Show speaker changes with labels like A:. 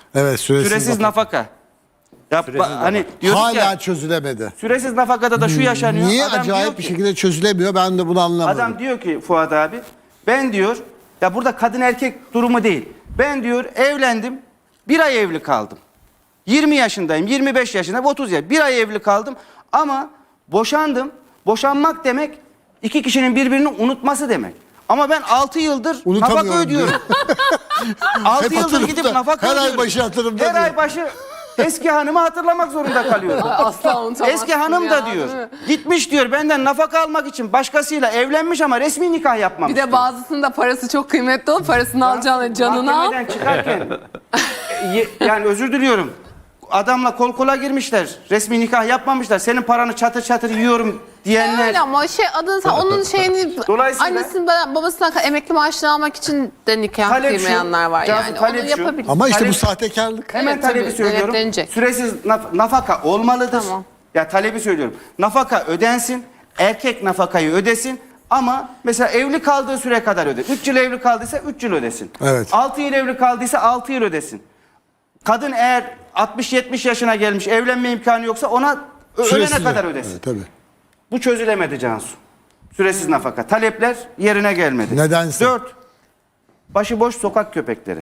A: Evet,
B: Süresiz nafaka. Ya, hani diyorduk
A: hala
B: ya,
A: çözülemedi.
B: süresiz nafakada da şu yaşanıyor.
A: Niye
B: Adam diyor
A: acayip bir
B: ki-
A: şekilde çözülemiyor, ben de bunu anlamadım.
B: Adam diyor ki Fuat abi, ben diyor, ya burada kadın erkek durumu değil. Ben diyor evlendim, bir ay evli kaldım. 20 yaşındayım, 25 yaşındayım, 30 yaş. Bir ay evli kaldım ama boşandım. Boşanmak demek iki kişinin birbirini unutması demek. Ama ben 6 yıldır nafaka
A: Unutamıyorum
B: ödüyorum. 6
A: Hep
B: yıldır
A: hatırımda,
B: gidip nafaka
A: her ay
B: ödüyorum.
A: başı hatırımda
B: Her
A: diyor.
B: ay başı eski hanımı hatırlamak zorunda kalıyorum.
C: Asla unutamazsın
B: Eski hanım da
C: ya,
B: diyor.
C: değil mi?
B: Gitmiş diyor benden nafaka almak için başkasıyla evlenmiş ama resmi nikah yapmamış.
C: Bir de bazısının da parası çok kıymetli olup parasını alacağına canını al.
B: Mahkemeden çıkarken yani özür diliyorum. Adamla kol kola girmişler. Resmi nikah yapmamışlar. Senin paranı çatır çatır yiyorum diyenler.
C: Öyle ama onun şeyini
B: Dolayısıyla-
C: annesinden babasından emekli maaşını almak için de nikah
B: Talep şu,
C: kıymayanlar var
B: Cansu,
C: yani.
B: talep
C: Onu
B: şu.
C: yapabilir.
A: Ama işte
B: Talep-
A: bu sahtekarlık.
B: Hemen
C: Evet,
B: talebi
C: tabii,
B: söylüyorum.
C: denetlenecek.
B: Süresiz nafaka olmalıdır.
C: Tamam.
B: Ya talebi söylüyorum. Nafaka ödensin. Erkek nafakayı ödesin. Ama mesela evli kaldığı süre kadar öder. 3 yıl evli kaldıysa 3 yıl ödesin.
A: Evet.
B: 6 yıl evli kaldıysa 6 yıl ödesin. Kadın eğer 60-70 yaşına gelmiş, evlenme imkanı yoksa ona ölene
A: Süresiz
B: kadar
A: de.
B: ödesin.
A: Evet, tabii.
B: Bu çözülemedi Cansu. Süresiz nafaka. Talepler yerine gelmedi.
A: Nedense.
B: 4. Başıboş sokak köpekleri.